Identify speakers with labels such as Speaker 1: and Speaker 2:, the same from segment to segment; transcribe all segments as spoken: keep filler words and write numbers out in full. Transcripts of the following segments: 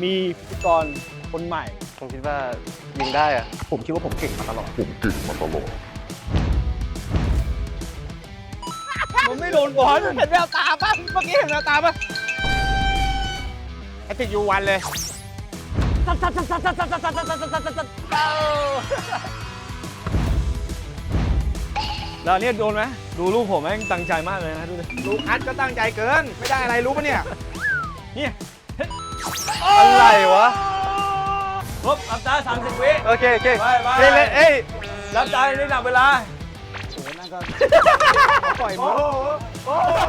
Speaker 1: มีพิธีกรคนใหม่
Speaker 2: ผมคิดว่ายิงได้อะ
Speaker 3: ผมคิดว่าผมเก่งมาตลอด
Speaker 4: ผมเก่งมาตลอด
Speaker 1: มันไม่โดนบอล
Speaker 3: เห็นแววตาป่ะเมื่อกี้เห็นแววตาป่ะไอติดยูวันเลย
Speaker 1: แล้วเนี่ยโดนไหมดูลูกผมแม่งตั้งใจมากเลยนะดูดิ
Speaker 3: ลูคัสก็ตั้งใจเกินไม่ได้อะไรรู้ปะเนี่ย
Speaker 1: เนี่ย
Speaker 2: อะไรวะ
Speaker 1: ครบรับตาสามสิบวิ
Speaker 2: โอเคโอเค
Speaker 1: ไปไป
Speaker 2: เล่นเล่นเอ้ย
Speaker 1: รับตาได้หนับเวลา
Speaker 3: โอ้นั่นก็ปล่อยมือ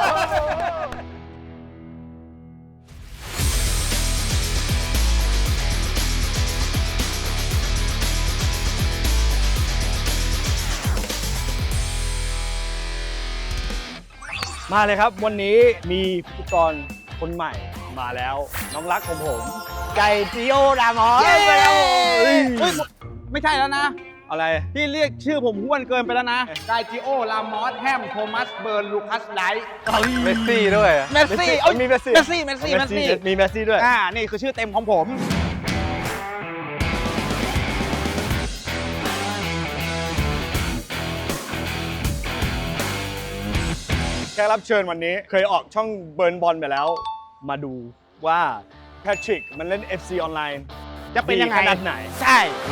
Speaker 1: มาเลยครับวันนี้มีพิธีกรคนใหม่มาแล้วน้องรักของผมไก่จิโอดามอส
Speaker 3: เย้
Speaker 1: ไปแล้วเฮ้ย
Speaker 3: เฮ้ยไม่ใช่แล้วนะ
Speaker 1: อะไร
Speaker 3: พี่เรียกชื่อผมห้วนเกินไปแล้วนะไกจิโอ ลามอส แฮม โทมัส เบิร์น ลูคัส ไลท์
Speaker 2: เมสซี่ด้วยอะ
Speaker 3: เมสซี่เอ้ย
Speaker 1: มีเมสซี่
Speaker 3: เมสซี่ เมสซี่ เมสซี่
Speaker 1: มีเมสซี่ด้วย
Speaker 3: อ่า นี่คือชื่อเต็มของผม
Speaker 1: แขกรับเชิญวันนี้เคยออกช่องเบิร์นบอลไปแล้ว มาดูว่าแพทริกมันเล่น เอฟ ซี ออนไลน์
Speaker 3: จะเป็นยังไง
Speaker 1: ดีขนาดไหน
Speaker 3: ใช่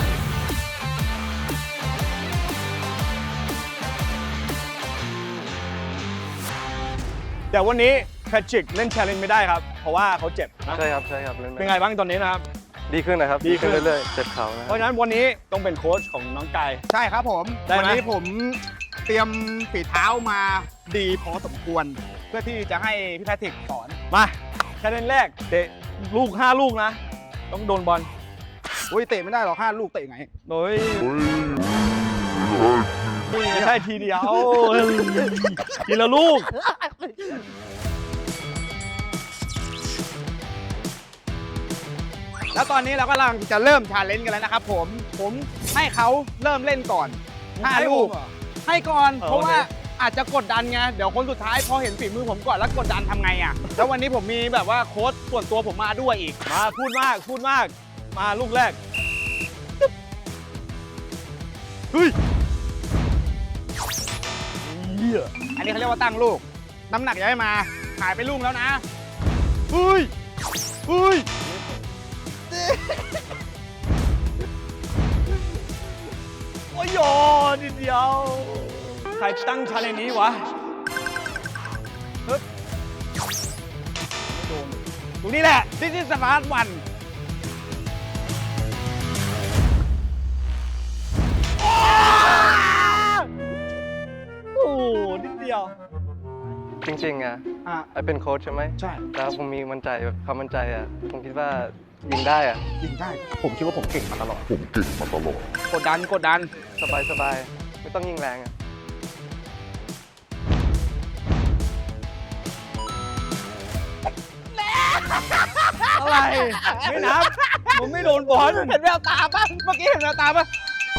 Speaker 1: แต่วันนี้แพทริกเล่น challenge ไม่ได้ครับ เพราะว่าเขาเจ็บนะ
Speaker 2: ใช่ครับใช่ครับเล่น
Speaker 1: เป็นไงบ้างตอนนี้นะครับ
Speaker 2: ดีขึ้นนะครับ
Speaker 1: ดีขึ้น
Speaker 2: เรื่อยๆเจ็บเข่านะ
Speaker 1: เพราะฉะนั้นวันนี้ต้องเป็นโค้ชของน้องกาย
Speaker 3: ใช่ครับผม
Speaker 1: ได้ไหม
Speaker 3: วันี้ผมเตรียมฝีเท้ามาดีพอสมควร เพื่อที่จะให้พี่แพทริกสอน
Speaker 1: มา challenge แรกเตะลูกห้าลูกนะ ต้องโดนบอล
Speaker 3: อุ้ยเตะไม่ได้หรอกห้าลูกเตะไง
Speaker 1: โดยไม่ใช่ทีเดียวทีละลูก
Speaker 3: แล้วตอนนี้เรากำลังจะเริ่มชาเลนจ์กันแล้วนะครับผม ผมให้เขาเริ่มเล่นก่อนห้า
Speaker 1: ให้ผม
Speaker 3: ลูก
Speaker 1: เหรอ
Speaker 3: ให้ก่อน
Speaker 1: เออ
Speaker 3: เพราะว่า
Speaker 1: โอเค
Speaker 3: อาจจะกดดันไง เดี๋ยวคนสุดท้ายพอเห็นฝีมือผมก่อนแล้วกดดันทำไงอ่ะ แล้ววันนี้ผมมีแบบว่าโค้ชส่วนตัวผมมาด้วยอีก
Speaker 1: มาพูดมากพูดมาก มาลูกแรกเฮ้ยเหี้ย
Speaker 3: อันนี้เขาเรียกว่าตั้งลูก น้ำหนักย้ายมาหายไปลูกแล้วนะ
Speaker 1: เฮ้ยเฮ้ยโอ้ยโยนิดเดียวใครตั้งชาเลนจ์นี้วะเฮ้ยไม่โดนตรงนี้แหละ
Speaker 3: This is the last one
Speaker 1: โอ้โหนิดเดียว
Speaker 2: จริงๆอะ
Speaker 3: อ่ะ
Speaker 2: ไอเป็นโค้ชใช่ไหม
Speaker 3: ใช่
Speaker 2: แล้วผมมีมั่นใจแบบความมั่นใจอะผมคิดว่ายิงได้อะ
Speaker 3: ยิงได้
Speaker 4: ผมคิดว่าผมเก่งมาตลอด ผมเก่งมาตลอด
Speaker 3: กดดันกดดัน
Speaker 2: สบายสบายไม่ต้องยิงแรงอะ
Speaker 1: อะไร ไม่นับผมไม่โดนบอล
Speaker 3: เห็นแววตาป่ะเมื่อกี้เห็นแววตาป่ะ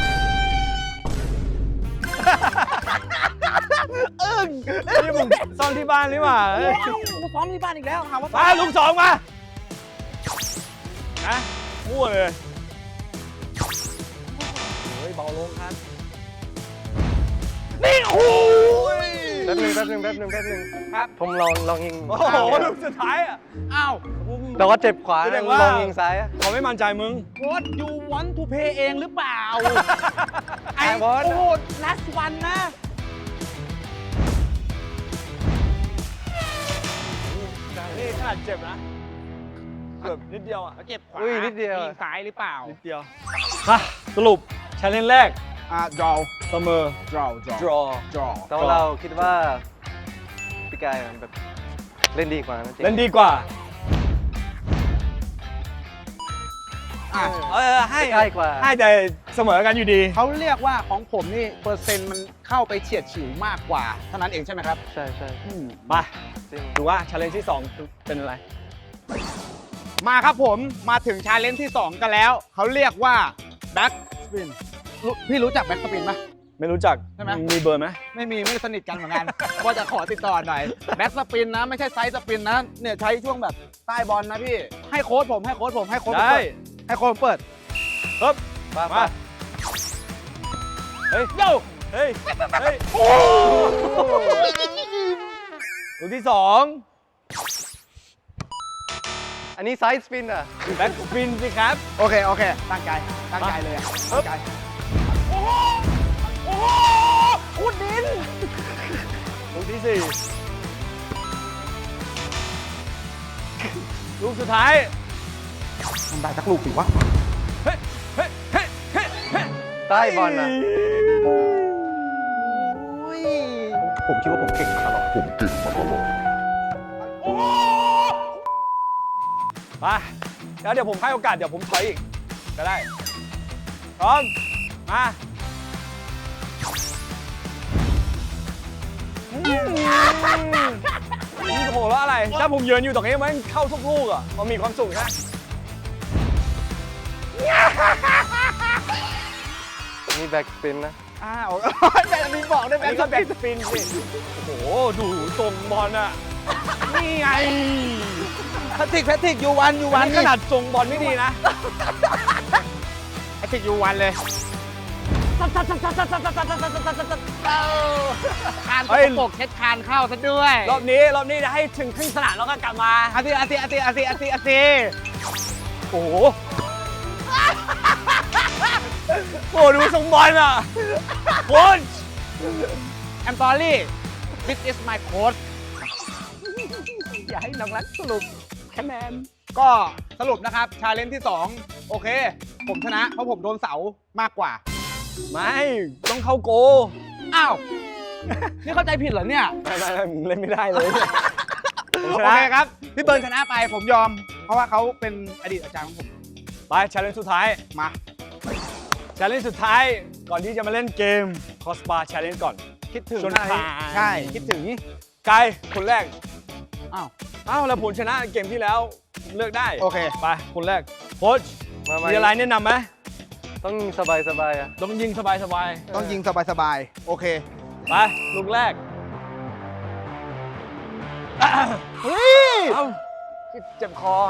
Speaker 3: อึ้ง
Speaker 1: นี่มึงซ่อนที่บ้านหรือเปล่าเอ้ย
Speaker 3: กูซ้อมที่บ้านอีกแล้วถามว่า
Speaker 1: มาลูกสองมานะมั่วเลยโอ้ยเบาลงครับ
Speaker 3: นี่โอ้ย
Speaker 2: แป๊บนึงแป๊บนึงแป๊บนึงแป๊บนึง
Speaker 3: ครับ
Speaker 2: ผมลองลองยิง
Speaker 1: โอ้โหลูกสุดท้ายอ่ะ
Speaker 3: อ้าว
Speaker 2: แต่ว่าเจ็บขวา
Speaker 1: แสด
Speaker 2: นะ
Speaker 1: งว่า
Speaker 2: ลองยิงซ้ายอะ
Speaker 1: เขาไม่มั่นใจมึง
Speaker 3: What you want to pay เองหรือเปล่า ไอ้
Speaker 2: I want
Speaker 3: โอ้โห last one นะ
Speaker 1: นี่ขนาดเจ็บนะ เกือบนิดเดียวอ่ะ
Speaker 3: เจ็บขวา
Speaker 2: อุ้ยนิดเดียว
Speaker 3: งซ้ายหรือเปล่า
Speaker 1: นิดเดียวมาสรุปชาเลนจ์แรก
Speaker 3: อ่า draw
Speaker 1: เสมอ
Speaker 3: draw draw
Speaker 1: draw
Speaker 3: draw
Speaker 2: แต่ว่าเราคิดว่าพี่กายแบบเล่นดีกว่านะจริง
Speaker 1: เล่นดีกว่า
Speaker 3: อ่ะ
Speaker 1: เออให้
Speaker 2: ใกล้กว่า
Speaker 1: ให้แต่เสมอกันอยู่ดี
Speaker 3: เขาเรียกว่าของผมนี่เปอร์เซ็นต์มันเข้าไปเฉียดฉิวมากกว่าเท่านั้นเองใช่ไหมครับ
Speaker 2: ใช่ใช่
Speaker 3: อืม
Speaker 1: มา
Speaker 2: จริง
Speaker 1: ดูว่าชาเลนจ์ที่สองเป็นอะไร
Speaker 3: มาครับผมมาถึงชาเลนจ์ที่ สอง กันแล้ว เขาเรียกว่า back spin รู้พี่รู้จัก back spin ไหม
Speaker 1: ไม่รู้จัก
Speaker 3: ใช่ไหม
Speaker 1: มีเบอร์ไหม
Speaker 3: ไม่มีไม่ได้สนิทกันเหมือนกัน ว่าจะขอติดต่อหน่อยแบ็กสปินนะไม่ใช่ไซส์สปินนะเนี่ยใช้ช่วงแบบใต้บอลนะพี่ให้โค้ชผมให้โค้ชผมให้โค้ชผม
Speaker 1: ได้
Speaker 3: เปิดให้โค้ชผมเปิด
Speaker 1: ปึ๊บ
Speaker 2: มา
Speaker 1: มา เฮ้ยโยเฮ้ย เฮ้ย โอ้ลูกที่สอง
Speaker 2: อันนี้ไซส์สปินอ่ะ
Speaker 1: แบ็กสปินสิครับ
Speaker 3: โอเคโอเคตั้งใจตั้งใจเลยอะตั้งใจ
Speaker 1: โอ้โห โอ้โหขุดดิน ลูกที่สี่ ลูกสุดท้าย
Speaker 3: มันได้สักลูกสิวะ
Speaker 1: เฮ้ย เฮ้ย เฮ้ย เฮ้ย เฮ้ย
Speaker 2: ใต้บอลอ่ะ
Speaker 3: ผมคิดว่าผมเก่งมาตลอด
Speaker 4: ผมเก่งมาตลอด
Speaker 1: โอ้โหมาแล้วเดี๋ยวผมให้โอกาส เดี๋ยวผมถอยอีก ก็ได้ พร้อม มาอืมนี่โหแล้วอะไร ถ้าผมยืนอยู่ตรงนี้มันเข้าทุกลูกอ่ะมันมีความสุขนะ
Speaker 2: นี่แบ็กสปินนะ
Speaker 3: อ้าวแต่อันนี้บอกได้ไหม
Speaker 1: อันนี้ก็แบ็กสปินสิ โอ้โห ดูทรงบอลอ่ะ นี่ไง
Speaker 3: แพทริกแพทริกยูวันยู
Speaker 1: วั
Speaker 3: วัน น
Speaker 1: ขนาดทรงบอลไม่ดีนะ
Speaker 3: แพทริกยูวันเลยคานต
Speaker 1: เฮ้ย
Speaker 3: กปรกเช็ดคานเข้าซะด้วย
Speaker 1: รอบนี้ รอบนี้จะให้ถึงครึ่งสนามแล้วก็กลับมา
Speaker 3: อาทิอาทิอาทิอาทิอาทิอาทิ
Speaker 1: โอ้โห โอ้ดูทรงบอลอ่ะโค้ช
Speaker 3: แอมตอรี่ this is my coach
Speaker 1: อย่าให้น้องรักสรุปคะแนน
Speaker 3: ก็สรุปนะครับ ชาเลนจ์ที่ สอง โอเค ผมชนะ เพราะผมโดนเสามากกว่า
Speaker 1: ไม่ ต้องเข้าโก
Speaker 3: อ้าว นี่เข้าใจผิดเหรอเนี่ย
Speaker 1: ไม่ไม่ไม่เล่นไม่ได้เลยผม
Speaker 3: โอ
Speaker 1: ชนะ
Speaker 3: เคครับ พี่เบิร์นชนะไปผมยอม เพราะว่าเขาเป็นอดีตอาจารย์ของผม
Speaker 1: ไปชาเลนจ์สุดท้าย
Speaker 3: มา
Speaker 1: ชาเลนจ์สุดท้าย ก่อนที่จะมาเล่นเกมคอสบาชาเลนจ์ก่อน
Speaker 3: คิดถึง
Speaker 1: ชวน
Speaker 3: อะไร
Speaker 1: ขาย
Speaker 3: ใช่ คิดถึง
Speaker 1: กายคนแรก
Speaker 3: อ้าว
Speaker 1: อ้าวแล้วผลชนะเกมที่แล้วเลือกได้
Speaker 3: โอเค
Speaker 1: ไป คนแรกโค้ช
Speaker 2: มามา
Speaker 1: มีอะไรแนะนำไหม
Speaker 2: ต้องสบายสบายๆอ่ะ
Speaker 1: ต้องยิงสบายสบาย
Speaker 3: ต้องยิงสบายๆ โอเค
Speaker 1: ๆไป ลูกแรก
Speaker 3: เฮ้ย
Speaker 1: เอ้าเจ็บคอ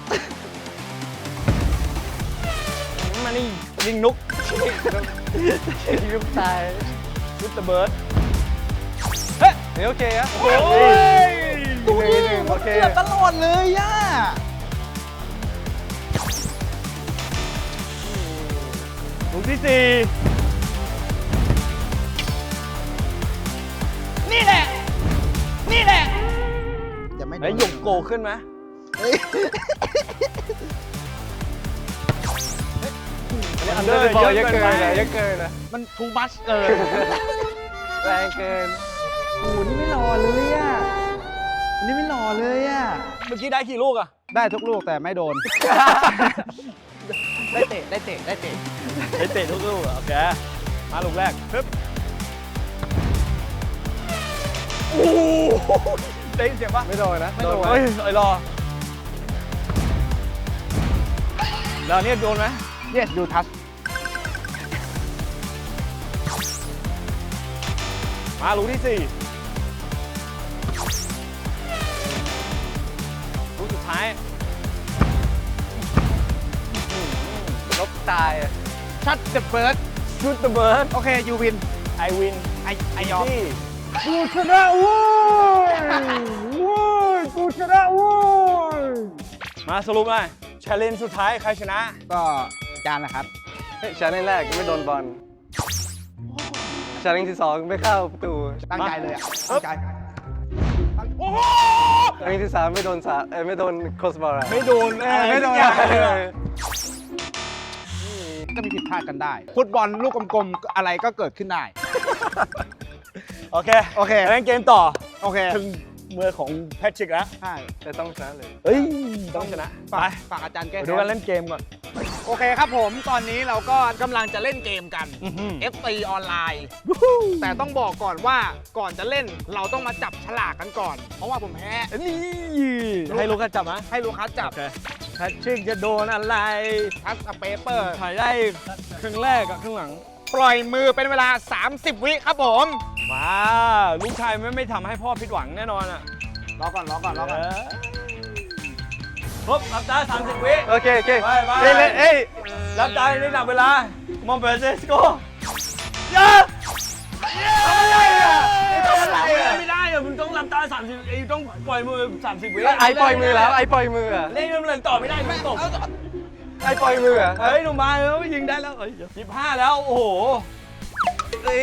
Speaker 1: มานี่ยิงนุกยิงนุกตายวิตเตอร์เบิร์ดเฮ้ย
Speaker 2: เฮ้ยโอเคอ่ะ
Speaker 1: โอ้ย
Speaker 3: ดูดิ
Speaker 2: หนึ่ง
Speaker 3: มั
Speaker 2: โอน เค
Speaker 3: เกือบตลอดเลยย่า
Speaker 1: ลูกที่สี่
Speaker 3: นี่แหละ นี่แหละจะไม่
Speaker 1: ไหนหยกโกขึ้นไหม
Speaker 3: เฮ้ย
Speaker 2: อันเดอร์บอลเยอะเกินนะเยอะเกินนะ
Speaker 3: มันทูมัชเกิน
Speaker 2: แรงเกิน
Speaker 3: โอ้โหนี่ไม่รอเลยอ่ะนี่ไม่รอเลยอ่ะ
Speaker 1: เมื่อกี้ได้กี่ลูกอะ
Speaker 3: ได้ทุกลูกแต่ไม่โดน ได้เตะ ได้เตะ ได้เตะ
Speaker 1: ได้เตะทุกลูกอะโอเค มาลูกแรกปึ๊บโอ้โหได้ยินเสียงปะ
Speaker 2: ไม่โดนนะ
Speaker 3: ไม่โดน
Speaker 1: เฮ้ยไอ้รอ แล้วเนี่ยโดนไหม
Speaker 3: yes you touch
Speaker 1: มาลูกที่สี่ลูกสุดท้าย
Speaker 2: ลบตายอ่ะ
Speaker 3: shut the bird
Speaker 1: ชุดเดอะเบิร์ด
Speaker 3: โอเค you win
Speaker 1: ไอวิน
Speaker 3: ไอไอยอม
Speaker 1: ที่กูชนะเว้ยเว้ยกูชนะเว้ยมาสรุปหน่อยชาเลนจ์สุดท้ายใครชนะ
Speaker 3: ก็อาจารย์นะครับ
Speaker 2: เฮ้ยชาเลนจ์แรกไม่โดนบอลชาเลนจ์ที่สองไม่เข้าประตู
Speaker 3: ตั้งใจเลยอ่ะ ตั้งใจ
Speaker 1: โอ้โห
Speaker 2: ชาเลนจ์ที่สามไม่โดนสาเอ้ยไม่โดนโคสบอลอะ
Speaker 1: ไม่โดน
Speaker 2: เออไม่โดน
Speaker 1: สักอย่างเลยอะ
Speaker 3: ก็มีผิดพลาดกันได้ ฟุตบอลลูกกลมๆ อะไรก็เกิดขึ้นได้
Speaker 1: โอเค
Speaker 3: โอเค
Speaker 1: เล่นเกมต่อ
Speaker 3: โอเค
Speaker 1: ถึงมือของแพทริกแล้ว
Speaker 3: ใช่
Speaker 2: แต่ต้องชนะเลย
Speaker 1: เฮ้ย ต้องชนะ ไป
Speaker 3: ฝากฝากอาจารย์แก้
Speaker 1: ไปดูกันเล่นเกมก่อน
Speaker 3: โอเคครับผม ตอนนี้เราก็กำลังจะเล่นเกมกัน
Speaker 1: อื้อหือ
Speaker 3: เอฟ ซี ออนไลน์ แต่ต้องบอกก่อนว่าก่อนจะเล่นเราต้องมาจับฉลากกันก่อน เพราะว่าผมแพ้
Speaker 1: นี่ให้ลูกค้าจับนะ
Speaker 3: ให้ลูกค้าจับ
Speaker 1: โอเคแพทริกจะโดนอะไร
Speaker 3: ทัสเปเปอร์
Speaker 1: ถ่ายได้ครึ่งแรกกับครึ่งหลัง
Speaker 3: ปล่อยมือเป็นเวลา สามสิบ วิครับผม
Speaker 1: มาลูกชายไม่ไม่ทำให้พ่อผิดหวังแน่นอนอ่ะ
Speaker 3: รอก่อนรอก่อนรอก่อน
Speaker 1: เออครบรับตาสามสิบวิ
Speaker 2: โอเคโอเค
Speaker 1: ไปไป
Speaker 2: เล่นเล่นเอ้ย
Speaker 1: รับตาในหนับเวลามองเบอร์เซสโกย่าทำอะไรอ่ะทำอะไรอ่ะไม่ได้อ่ะมึงต้องรับตาสามสิบไอ้ต้องปล่อยมือสามสิบวิ
Speaker 2: ไอปล่อยมือแล้วไอปล่อยมืออะ
Speaker 1: เล่นมันเล่นต่อไม่ได้มึงตก
Speaker 2: ไอปล่อยมืออะ
Speaker 1: เฮ้ยหนุ่มมาเออยิงได้แล้วเอ้ยสิบห้าแล้วโอ้โห
Speaker 2: เอ้ย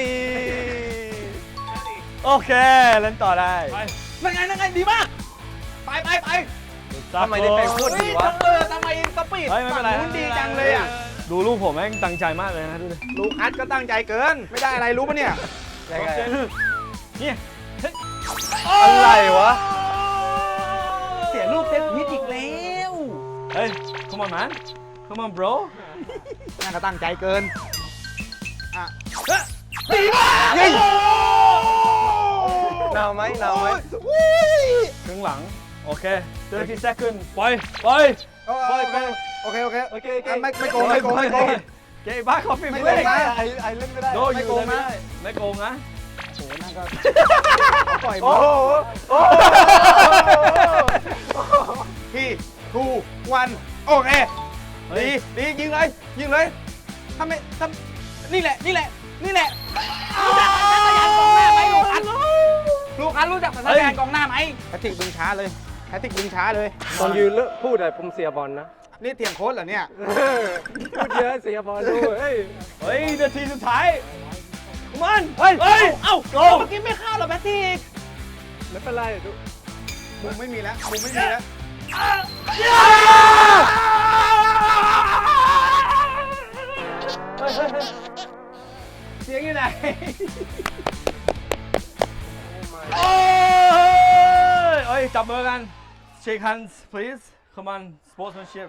Speaker 1: โอเคเล่นต่อได้
Speaker 3: นั่นไงนั่นไงดีมาก ไปไปไป
Speaker 2: ทำไมได้เป็นโคตรดีวะ
Speaker 3: เออทำไมสปีด
Speaker 1: เฮ้ยไม่เป็นไร
Speaker 3: ฝั่งนู้นดีจังเลยอ่ะ
Speaker 1: ดูลูกผมแม่งตั้งใจมากเลยนะดูดิ
Speaker 3: ลูกคัดก็ตั้งใจเกิน ไม่ได้อะไรรู้ปะเนี่ย
Speaker 2: ยังไง
Speaker 1: เนี่ย
Speaker 2: อะไรวะ
Speaker 3: เสียลูกเซตพิษอีกแล้ว
Speaker 1: เฮ้ย come on man come on bro
Speaker 3: น่าก็ตั้งใจเกิน อ่ะ
Speaker 1: ดีมาก
Speaker 3: ยิง
Speaker 2: หนาวไหมหนาวไหม
Speaker 1: ครึ่งหลัง โอเคthirty second ปล่อยปล่อย
Speaker 3: ไปไปโอเคโอเค
Speaker 2: โอเคโอเค
Speaker 3: อ่ะไม่ไม่โกงไม่โกงไม่โกง
Speaker 1: เกย์บ้าคอฟฟี่
Speaker 3: ไม่
Speaker 1: ไม่
Speaker 3: โก
Speaker 1: เล่
Speaker 3: ง
Speaker 1: น
Speaker 3: นะ
Speaker 2: ไอไอเล่นไม่ได้
Speaker 1: โด
Speaker 3: ไม่
Speaker 1: อยู่
Speaker 3: โกง
Speaker 1: เลยไม่
Speaker 3: นะ
Speaker 1: ได้ไม่โกงนะ
Speaker 3: โอ้โหนั่นก็ปล่อย
Speaker 2: โอ้
Speaker 3: มือ
Speaker 2: โหโอ้โห
Speaker 3: ที่ทูวันโอเค
Speaker 1: เฮ้
Speaker 3: ดี
Speaker 1: ย
Speaker 3: ดียิงเลยยิงเลยทำไมทำนี่แหละนี่แหละนี่แหละรู้จักสัญชาตญาณกองหน้าไหมลูกคันลูกคันรู้จักสัญชาตญาณกองหน้าไหมแพทริกดึงช้าเลยแพทริกดึงช้าเลย
Speaker 2: ตอนยืนเลิกพูดอะผมเสียบอลนะ
Speaker 3: นี่เถียงโค้ชเหรอเนี่ย
Speaker 2: พูดเยอะเสียบอลด้วยเฮ้ย
Speaker 1: เฮ้ยนาทีสุดท้ายมันเฮ้ยเฮ้ยเอ้าโกง
Speaker 3: เมื่อกี้ไม่เข้าหรอแพทริก
Speaker 2: ไม่เป็นไรดู
Speaker 3: มุมไม่มีแล้วมุมไม่มีแล้ว
Speaker 1: เสียงอยู่ไหนโอ้ยเอ้ยจับมือกัน shake hands please come on sportsmanship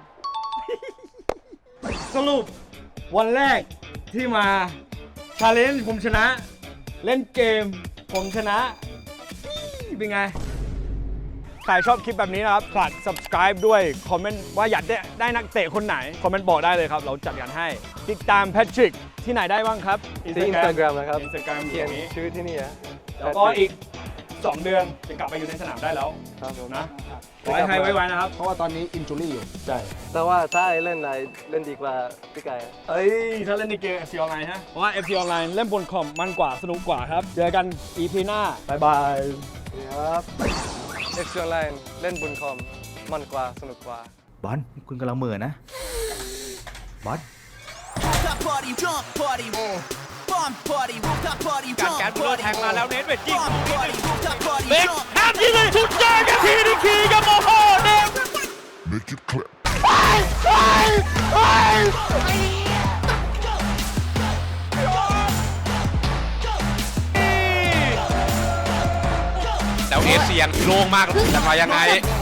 Speaker 1: สรุปวันแรกที่มาชาเลนจ์ผมชนะ เล่นเกมผมชนะ เป็นไง ใครชอบคลิปแบบนี้นะครับฝาก subscribe ด้วย คอมเมนต์ว่าอยากได้ได้นักเตะคนไหน คอมเมนต์บอกได้เลยครับ เราจัดการให้ ติดตามแพทริกที่ไหนได้บ้างครับ
Speaker 2: ที่อินสตาแกรมนะครับ
Speaker 1: อินสตาแกรม
Speaker 2: เขียน
Speaker 1: นี้
Speaker 2: ชื่อที่นี่อะ
Speaker 1: แล้วก็อีก สอง เดือนจะกลับไปอยู่ในสนามได้แล้ว
Speaker 2: ครับผม
Speaker 1: นะขอให้ไฮไวๆนะครับ
Speaker 3: เพราะว่าตอนนี้อินจูรี่อยู่
Speaker 1: ใช่
Speaker 2: แต่ว่าถ้าไอเล่นอะไรเล่นดีกว่าพี่ไก่อะ
Speaker 1: เอ้ย ถ้าเล่นในเกม เอฟ ซี ออนไลน์ฮะ เพราะว่า เอฟ ซี ออนไลน์เล่นบนคอมมันกว่าสนุกกว่าครับ เจอกัน อี พี หน้า บ๊ายบาย
Speaker 2: ครับเอ็กซ์ออนไลน์เล่นบนคอมมันกว่าสนุกกว่า
Speaker 3: บอลคุณกำลังเหม่อนะ บอล
Speaker 5: Rooftop party, jump party, bomb party, rooftop party,
Speaker 1: การ
Speaker 5: jump
Speaker 1: แกนบุลเลอร์
Speaker 5: party,
Speaker 1: แทงมาแล้วเนทเวทยิง
Speaker 5: bomb party, rooftop party,
Speaker 1: เล็ก
Speaker 5: jump
Speaker 1: แฮมยิงเลยสุดยอดกันทีนึงทีกับโมโหเนท
Speaker 4: Make it clap.
Speaker 6: แล้วเอเชียนโล่งมากจะมายังไง